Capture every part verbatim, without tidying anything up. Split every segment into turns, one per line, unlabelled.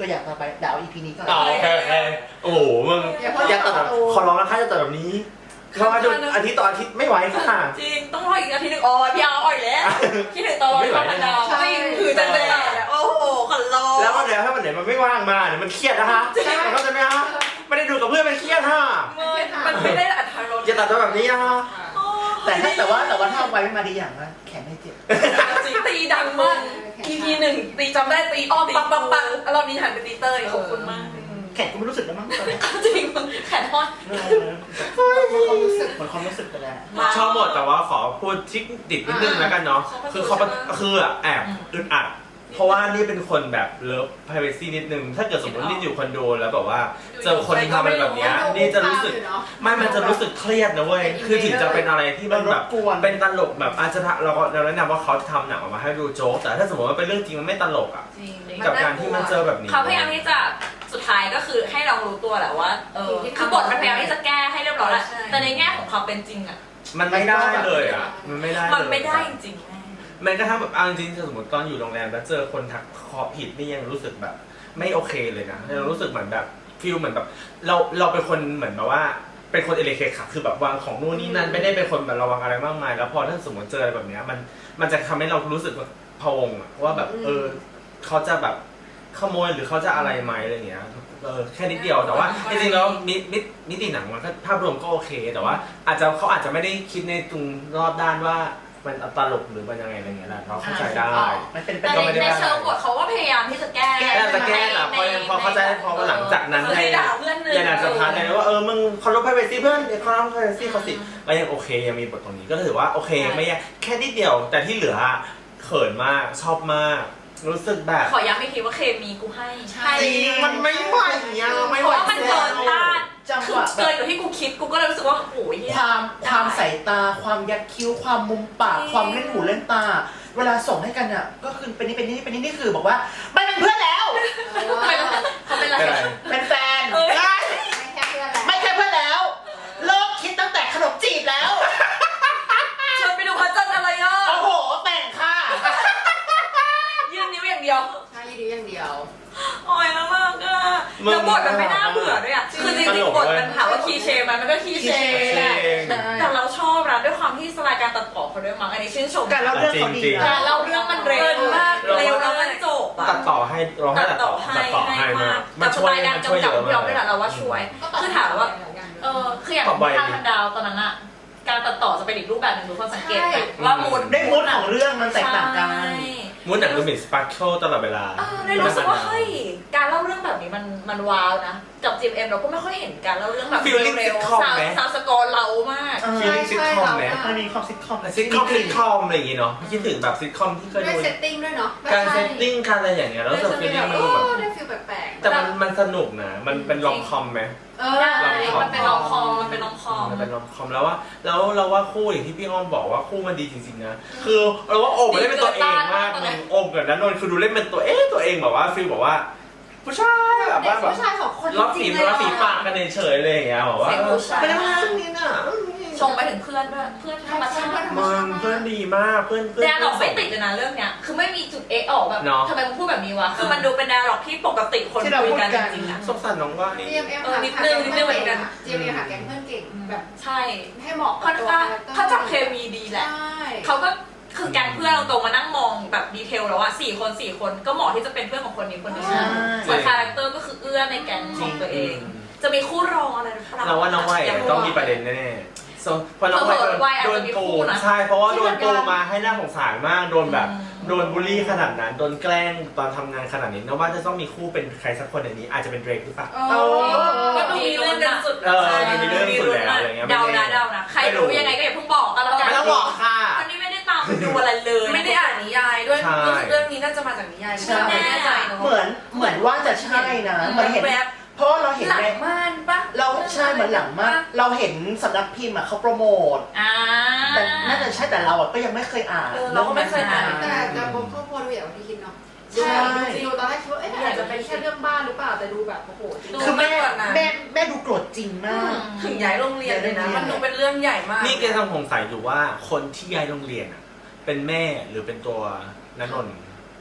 ตัวอย่างต่อไปเดี๋ยวเอา อี พี นี้ก่อน
โอเคโอเคโอ้โหมึงอย่าตัดแบบขอร้องนะคะอย่าตัดแบบนี้รอจนอาทิตย์ต่ออาทิตย์ไม่ไหวค่ะ
จริงต้องรออีกอาทิตย์นึงอ๋อพี่เอาอ่อยแล้วคิดถึงตอนวันพันดาวไม่คือจะเป็นโอ้โหขอร้อง
แล้ววันไหนถ้าวันไหนมันไม่ว่างมาเนี่ยมันเครียดนะคะเข้าใจไหมฮะไม่ได้ดูกับเพื่อนมันเครียดฮะ
มันไม่ได้อัธรส
อย่าตัดตัวแบบนี้นะคะ
แต่ถ้าแต่ว่าแต่ว่าถ้าไว้ไม่มาดีอย่างนะแขนไม่เจ็บ
จริงตีดังมาก อี พี หนึ่งตีจำได้ตีอ้อมปังปังปังรอบนี้หันไปตีเต้ยขอบคุณมาก
แขนกูไม่รู้สึกแล้วมั้งตอนนี้
จริงแขนทอด
ความรู้สึกเหมือนความรู้สึกไปแล้ว
ชอบหมดแต่ว่าขอพูดทิคนิคนิดนึงแล้วกันเนาะคือเขาคือแอบอึดอัดเพราะว่านี่เป็นคนแบบเลิฟ privacy นิดนึงถ้าเกิดสมมตินี่อยู่คอนโดแล้วแบบว่าเจอคนทำอะไรแบบนี้นี่จะรู้สึกไม่มันจะรู้สึกเครียดนะเว้ยคือถึงจะเป็นอะไรที่มันแบบเป็นตลกแบบอาจจะเราเราแนะนำว่าเขาทำหนังออกมาให้ดูโจ๊กแต่ถ้าสมมติว่าเป็นเรื่องจริงมันไม่ตลกอ่ะกับการที่มันเจอแบบนี้
เขาพยายามที่จะสุดท้ายก็คือให้เรารู้ตัวแหละว่าเออคือบทมันพยายามที่จะแก้ให้เรียบร้อยแหละแต่ในแง่ของความเป็นจริงอ่ะ
มันไม่ได้เลยอ่ะมันไม่ได้
มันไม่ได้จริงๆ
แม้กระทั่งแบบจริงๆสมมติตอนอยู่โรงแรมแล้วเจอคนทักคอผิดนี่ยังรู้สึกแบบไม่โอเคเลยนะเรารู้สึกเหมือนแบบฟีลเหมือนแบบเราเราเป็นคนเหมือนแบบว่าเป็นคนเอเลเคค่ะคือแบบวางของนู่นนี่นั่นไม่ได้เป็นคนแบบระวังอะไรมากมายแล้วพอถ้าสมมติเจออะไรแบบนี้มันมันจะทำให้เรารู้สึกพะวงอะว่าแบบเออเขาจะแบบขโมยหรือเขาจะอะไรไหมอะไรเงี้ยเออแค่นิดเดียวแต่ว่าจริงๆแล้วมิมิมิติหนังมันภาพรวมก็โอเคแต่ว่าอาจจะเขาอาจจะไม่ได้คิดในตรงรอบด้านว่ามันตลกหรือมันยังไงอะไรเงี้ยนะเราเข้าใจได้
แต่ในเชิงบทเขาก็พยายามที่จะแก้
แก้จะแก้แต่พอพอเข้าใจพอหลังจากนั้นในยันอาจจะพาร์ทในว่าเออมึงเคารพ privacy เพื่อนเคารพ privacy เขาสิก็ยังโอเคยังมีบทตรงนี้ก็ถือว่าโอเคไม่ยากแค่นิดเดียวแต่ที่เหลือเขินมากชอบมากรู้สึกแบบ
ขอย้ำอีกทีว่าเคมีกูให้
จริงมันไม่ไหวอ่ะไม่ไหว
เพราะมันเกินต้าน
จังหวะ
เกินกว่าที่กูคิดกูก็เลยรู้สึกว่าโอ้ย
ความความสายตาความยักคิ้วความมุมปากความเล่นหูเล่นตาเวลาส่งให้กันอ่ะก็คือเป็นนี่เป็นนี่เป็นนี่นี่คือบอกว่าไม่เป็นเพื่อนแล้ว
เขาเป็นอะไร
เป็นแฟนไม่แค่เพื่อนแล้วเลิกคิดตั้งแต่ขนมจีบแล้ว
ชวนไปดูพระจันทร์อะไรอ่ะ
โอ้โหแต่งค่ะ
ยืนนิ้วอย่างเดียว
ใช่ยืนนิ้วอย่างเดียว
โอ้ยน่ารักอ่ะแล้วบทมันไม่น่าเบื่อด้วยอ่ะคือจริงๆบทมันถามว่าคีเชมันมันก็คีเชแหละแต่เราชอบนะด้วยความที่สไตล์การตัดต่อเขาด้วยมั้งอันนี้ชื่นชม
การเล่าเรื่องเขาดี
การเล่าเรื่องมันเร็วมากเร็วแล้วมันจบอ่ะ
ตัดต่อให้ร้องให้ตัดต่อตัดต่อให้มาก
แต่สไตล์การกำกับยอมด้วยแหละเราว่าช่วยคือถามว่าเออคืออย่างทางพันดาวตอนนั้นอะการตัดต่อจะเป็นอีกรูปแบบหนึ่งทุกคนสังเกตว่ามูด
ได้มูดของเรื่องมันแตกต่างกัน
มูดหนังดูมีสปาร์คเคิลตลอดเวลา
ได้รู้สึกว่าเฮ้ยการเล่าเรื่องแบบนี้มันมันว้าวนะกับ จี เอ็ม เราก็ไม่ค่อยเห็นการเล่าเรื่องแบบเร็วๆซาวซาวสกอร์เล้ามาก
ฟีลลิ่งซิทคอมไหม
มันมีความซิทคอม
ซิทคอมซิทคอมอะไรอย่างงี้เนาะคิดถึงแบบซิทคอมที่เคยดู
เซตติ้งด้วยเนาะ
การเซตติ้งการอะไรอย่างเงี้ยแล้วแต่ฟีลลิ่งมันแบบ
ได้ฟีลแปลก
ๆแต่มันมันสนุกนะมันเป็นลองคอมไหม
เออมันเป็นลองคอมมันเป็นลองคอม
มันเป็นลองคอมแล้วว่าแล้วเราว่าคู่อย่างที่พี่อ้อมบอกว่าคู่มันดีจริงๆนะคือเราว่าโอมเล่นเป็นตัวเองมากโอมกับนันนนท์คือดูเล่นเป็นตัวเอ๊ะตัวเองแบบว่าฟีลแบบว่าผู้ชายแบบว่าแบบรับฝีรับฝีปากกันเฉยเลยอย่างเงี้ยบอกว่าไม่ได้มานี่น่ะ
ชงไปถึงเพื่อนด้วยเพื่อนธรรมชาติ
มันเพื่อนดีมากเพื่อนเพื่อน
แดร์ล็อกไม่ติดเลยนะเรื่องเนี้ยคือไม่มีจุดเอะออกแบบทำไมมึงพูดแบบนี้วะคือมันดูเป็นแดร์ล็อกที่ปกติคนคุยกันจริงๆอะ
สงสารน้องว่า
นี่
เออนิดนึงนิดนึงเหมือนกัน
จีเอ็มหาแก๊งเพื่อนเก่งแบบ
ใช่
ให้เหมาะ
เขาเขาจับเคมีดีแหละเขาก็คือแก๊งเพื่อนเราตรงมานั่งมองแบบดีเทลแล้วว่าสี่คนสี่คนก็เหมาะที่จะเป็นเพื่อนของคนนี้คนนี้ส่วนคาแรคเตอร์ก็คือเอื้อในแก๊งของตัวเองจะมีคู่รองอะไรหรือเปล่า
เราว่าน้องวัยต้องมีประเด็นแน่ๆเพราะน้องวัยโดนปูใช่เพราะว่าโดนปูมาให้น่าสงสารมากโดนแบบโดนบูลลี่ขนาดนั้นโดนแกล้งตอนทำงานขนาดนี้น้องว่าจะต้องมีคู่เป็นใครสักคนในนี้อาจจะเป็นเดรกหรือเปล่า
ก็ดูมีเรื่องกันสุด
เออมีเรื่องสุดแล้วอะไรเงี้ย
เดานะเดานะใครรู้ยังไงก็อย่าเพิ่งบอกกันแล้วกัน
ไม่ต้องบอกค่ะ
วันนี้ไม่ได้ตามดูอะไรเลย
ไม่ได้อ่านนิยายด้วยเรื่องนี้น่าจะมาจากนิยายใช่
แน่ใจ
เหมือนเหมือนว่าจะใช่นะเหมือนเห็นเพราะเราเห็น
หลังม่านปะ
เราใช่เหมือนหลังม่านเราเห็นสำนักพิมพ์อ่ะเขาโปรโมทแต่น่าจะใช่แต่เราอ่ะก็ยังไม่เคยอ่าน
เราก็ไม่เคยอ่านแต่จะพบครอบครัวดูอย่างที่คิดเนาะใช่ดูตอนแรกคิดว่าเอ๊ะอาจจะเป็นแค่เรื่องบ้านหรือเปล่าแต่ดูแบบโอ้โห
คือแม่แม่แม่ดูโกรธจริงมาก
ถึงย้ายโรงเรียนเลยนะมันดูเป็นเรื่องใหญ่มาก
นี่แกทำสงสัยอยู่ว่าคนที่ย้ายโรงเรียนอ่ะเป็นแม่หรือเป็นตัวนันนนท์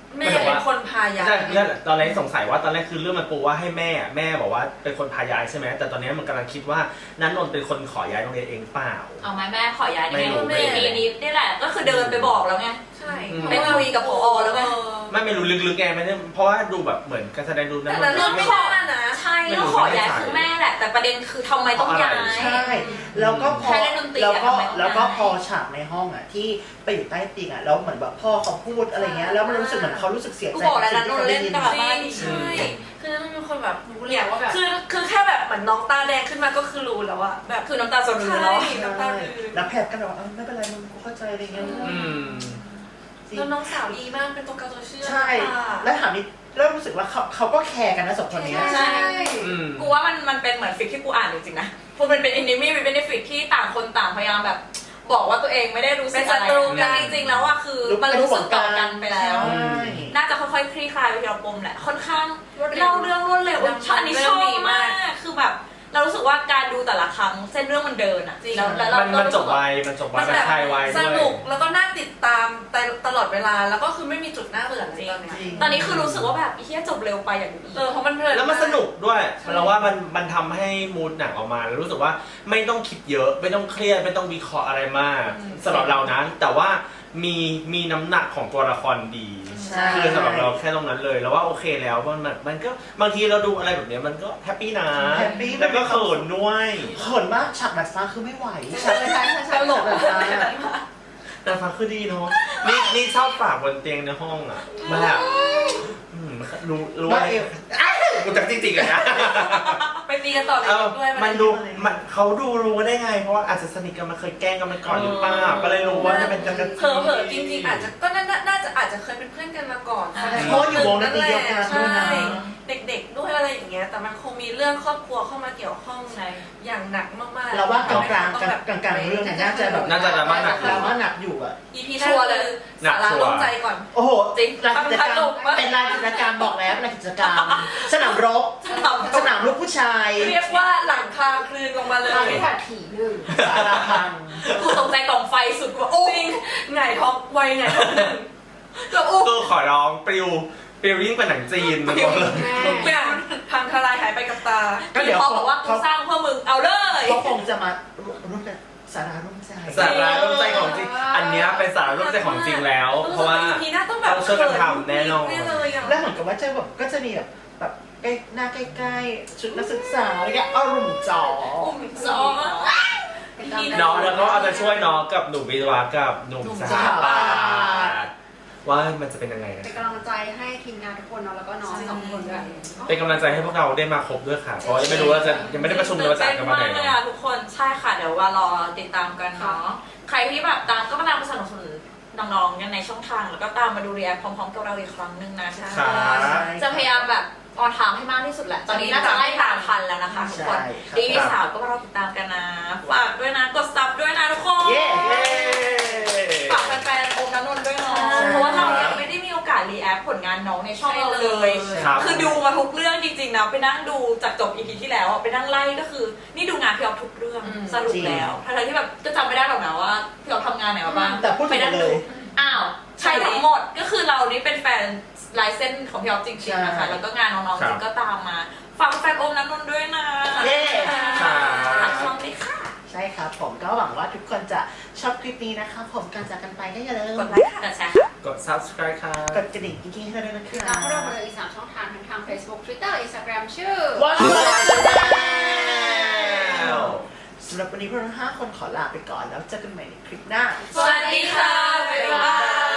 แม่เป็นคนพายาย
ใช่แล้วตอนแรกสงสัยว่าตอนแรกคือเรื่องมันปูว่าให้แม่แม่บอกว่าเป็นคนพาย้ายใช่ไหมแต่ตอนนี้มันกำลังคิดว่านันนนท์เป็นคนขอย้ายโรงเรียนเองเปล่า
เอาไหมแม่ขอย้าย
ไม่
นี่
รู้
ไงปีนี้นี่แหละก็คือเดินไปบอกแล้วไง
ใช่
ไปคุยกับผอแล้วไง
ไม่ไม่รู้ลึกๆไงไม่ได้เพราะว่าดูแบบเหมือนการแสดงดูนันน
แต่
นท์
เรื่องไม่น่านะ
ใช่ก็ขอย้ายคือแม่แหละ แต่ประเด็นคือทำไมต้องย้าย
ใช่แล้วก็พอ
แค่เล่นดนตรี
แล้ว
อะ
ก็
ทำไมต้อง
แล้วก็
ย้าย
พอฉากในห้องอ่ะที่ไปอยู่ใต้เตียงอ่ะแล้วเหมือนแบบพ่อเขาพูดอะไรเงี้ยแล้วมันรู้สึกเหมือนเขารู้สึกเสีย
กู
ใจ
บอกแล้วนะ
บ
นนท์เล่น
สิ่ง
กับ
ที่
บ้าน
ใช่คือต้องมีคนแบบรู้เลย
ว่าแบบ
คือคือแค่แบบเหมือนน้องตาแดงขึ้นมาก็คือรู้แล้วอะแบบ
คือน้ำตาสน
ใช่
เนาะ
น้ำตาลือ
แล้วแพทย์ก็แบบว่าเออไม่เป็นไรมึงกูเข้าใจอะไรเงี้ย
อืม
จริง
แล้วน้องสาวดีมากเป็นตัวการตัวเชื่อ
ใช่
ค่ะ
แล้วถามนิดเริ่มรู้สึกว่าเขาเขาก็แคร์กันนะสองคนเนี้ย
ใช่
อืม
กูว่ามันมันเป็นเหมือนฟิกที่กูอ่านจริงๆนะพูดมันเป็นอินดิมี่เป็นเบนฟิตที่ต่างคนต่างพยายามแบบ บอกว่าตัวเองไม่ได้รู้สึกอะไร
เป็นศัตรูกั
กัน
น
จริงๆแล้วอะคือมันรู้สึกต่อกันไปแล้ว
ใช่
น่าจะค่อยๆคลี่คลายไปทีละปมแหละค่อนข้างเล่าเรื่องรวดเร็วอุ๊ยอันนี้ชอบมากคือแบบเรารู้สึกว่าการดูแต่ละครั้งเส้นเรื่องมันเดินอะแล้วแล้วเรา
มันมันจบไวมันจบไว
มัน
มัน
แบบ
คลายไว
ส
ด้วย
นุกแล้วก็น่าติดตามตลอดเวลาแล้วก็คือไม่มีจุดน่าเบื่อเลยตอนเนี้ย
จริง
ตอนนี้คือรู้สึกว่าแบบไอ้เหี้ยจบเร็วไปอย่างนี้
เออเพราะมันเพลิน
แล้วมันสนุกด้วยเราว่ามันมันทำให้มูดหนังออกมาแล้วรู้สึกว่าไม่ต้องคิดเยอะไม่ต้องเครียดไม่ต้องวิเคราะห์อะไรมากสำหรับเรานั้นแต่ว่ามีมีน้ำหนักของตัวละครดี
ใช่
คือสำหรับเราแค่ตรงนั้นเลยแล้วว่าโอเคแล้วมันแบบมันก็บางทีเราดูอะไรแบบเนี้ยมันก็แฮปปี้นะ
แฮปปี้
แล้วก็เขินด้วย
เขินมากฉากดัดฟ้าคือไม่ไหวฉาก
ใช่ใช่ใช่
ฉากดัดฟ้าอะ
แต่ฟังคือดีเนาะนี่นี่ชอบฝากบนเตียงในห้องอ่ะมาแบบอืมรู้รู้
ว่า
ว่า
เอว
กูจักจริงๆกันนะ
ไปตีกันต่อใน
เออ
ด้วย
มันดูมันเขาดูรู้ได้ไง เพราะว่าอาจจะสนิทกันมันเคยแกล้งกันมาก่อนหรือเปล่าก็เลยรู้ว่าจะเป็นจักร
เผลอเผลอๆจริงๆอาจจะก็น่าน่าจะอาจจะเคยเป็นเพื่อนกันมาก่อน
เพราะว่าอยู่วงดนตรีเดียวกัน
ใช่
ด้วยนะ
เด็กๆด้วยอะไรอย่างเงี้ยแต่มันคงมีเรื่องครอบครัวเข้ามาเกี่ยวข้อง
ใช่
อย่างหนักมากๆ
เราว่ากลางกลางกลางกลางกลางเรื่องเนี่ยน่าจะแบบ
น่าจะดราม่าหนัก
เราว่าหนักอยู่อ่ะ
อีพีหน้าคือสาระโล่งใจก่อน
โอ้โห
จริง
ลานกิจกรรม
สนุกมาก
เป็นลานกิจกรรมบอกแล้วลานกิจกรรม สนามรบ สนามลูกผู้ชาย
เรียกว่าหลังคาคลืนลงมาเลย
เราที่แบบผีหนึ่ง
สารพัน
กูตกใจกล่องไฟสุดกว่าโอ้
จริงไงายท้องไวไงายท้องหนึ่ง
แล้วอู้
คือขอร้องปลิวปลิวยิ่งกว่าหนังจีนมันบอกเลย
ทุกอย่างพังทลายหายไปกับตา
ก็เดี๋ยว
เขาบอกว่ากูสร้างเพื่อมึงเอาเลย
เขาคงจะมาร่วมกันสาราร่วมใจ
สาระร่วมใจของจริง อันเนี้ยเป็นสาระร่วมใจของจริงแล้ว เพราะว่า
อีพีหน้าต้องแบบ
ต้องช่วยกันทำแน่นอน
แน่เลยอ่ะ
แล้วเหมือนกับว่าจะแบบก็จะมีแบบแบบใกล้หน้าใกล้ๆชุดนักศึกษาอะไรเงี้ยอารมณ์จ๋อ
สอง
น้องแล้วก็เอาใจช่วยน้องกับหนุ่มวิศวะกับหนุ่มสถาปัตย์ว่ามันจะเป็นยังไงนะ
เป็นกำลังใจให้ทีมงานทุกคนเนาะแล้วก็น้องสองคนด้วย
เป็นกำลังใจให้พวกเราได้มาครบด้วยค่ะ เพราะยังไม่รู้ว่าจะยังไม่ได้ประชุมเลยว่าจะอัดกันมาไหน
ตื่เต้มากเลยอะทุกคนใช่ค่ะเดี๋ยวว่ารอติดตามกันเนาะใครที่แบบตามก็มาตามมาสนับสนุนน้องๆกันในช่องทางแล้วก็ตามมาดูรีแอคพร้อมๆกับเราอีกครั้งหนึ่งนะ
ครับ
จะพยายามแบบออนทามให้มากที่สุดแหละ ตอนนี้น่าจะไล่ตามทันแล้วนะคะทุกคนดีที่สาวก็มารอติดตามกันนะฝากด้วยนะกดซับด้วยนะทุกคน
เย้
ฝากแฟนๆโอมนันนนท์ด้วยเนาะเพราะว่าเรายังไม่ได้มีโอกาสรีแอคผลงานน้องในช่องเราเลย
ครับ
คือดูมาทุกเรื่องจริงๆนะไปนั่งดูจากจบ อี พี ที่แล้วอะไปนั่งไล่ก็คือนี่ดูงานพี่ออฟทุกเรื่องสรุปแล้วทั้งๆที่แบบก็จำไม่ได้หรอกนะว่าพี่ออฟทำงานไหนมาบ้าง
แต่พูด
ไป
ถึง
นั่ง
เล
ดู
ย
อ้าวใช่ทั้งหมดก็คือเรานี่เป็นแฟนลายเส้นของพี่ออฟจริงๆนะคะ
ใช่
แล้วก็งานน้องๆจริงก็ตามมาฝากแฟนโอมนันนนท์ด้วยนะ
เย้
ฝากช่องด้วยค่ะ
ใช่ครับผมก็หวังว่าทุกคนจะชอบคลิปนี้นะครับผมการจากกันไปก็อย่าลืม
กดไลค์ค่ะกดแชร์ค่ะ
กด subscribe ครับ
กดกระดิ่งกิ๊งๆให้เราด้วยนะค
ติด
รั
ตามพวกเรา
บ
มาเลยอีกสามช่องทางทั้งทาง Facebook Twitter Instagram ชื่อ
Watch My Channel สำหรับวันนี้พวกเราห้าคนขอลาไปก่อนแล้วเจอกันใหม่ในคลิปหน้า
สวัสดีค่ะบ๊ายบาย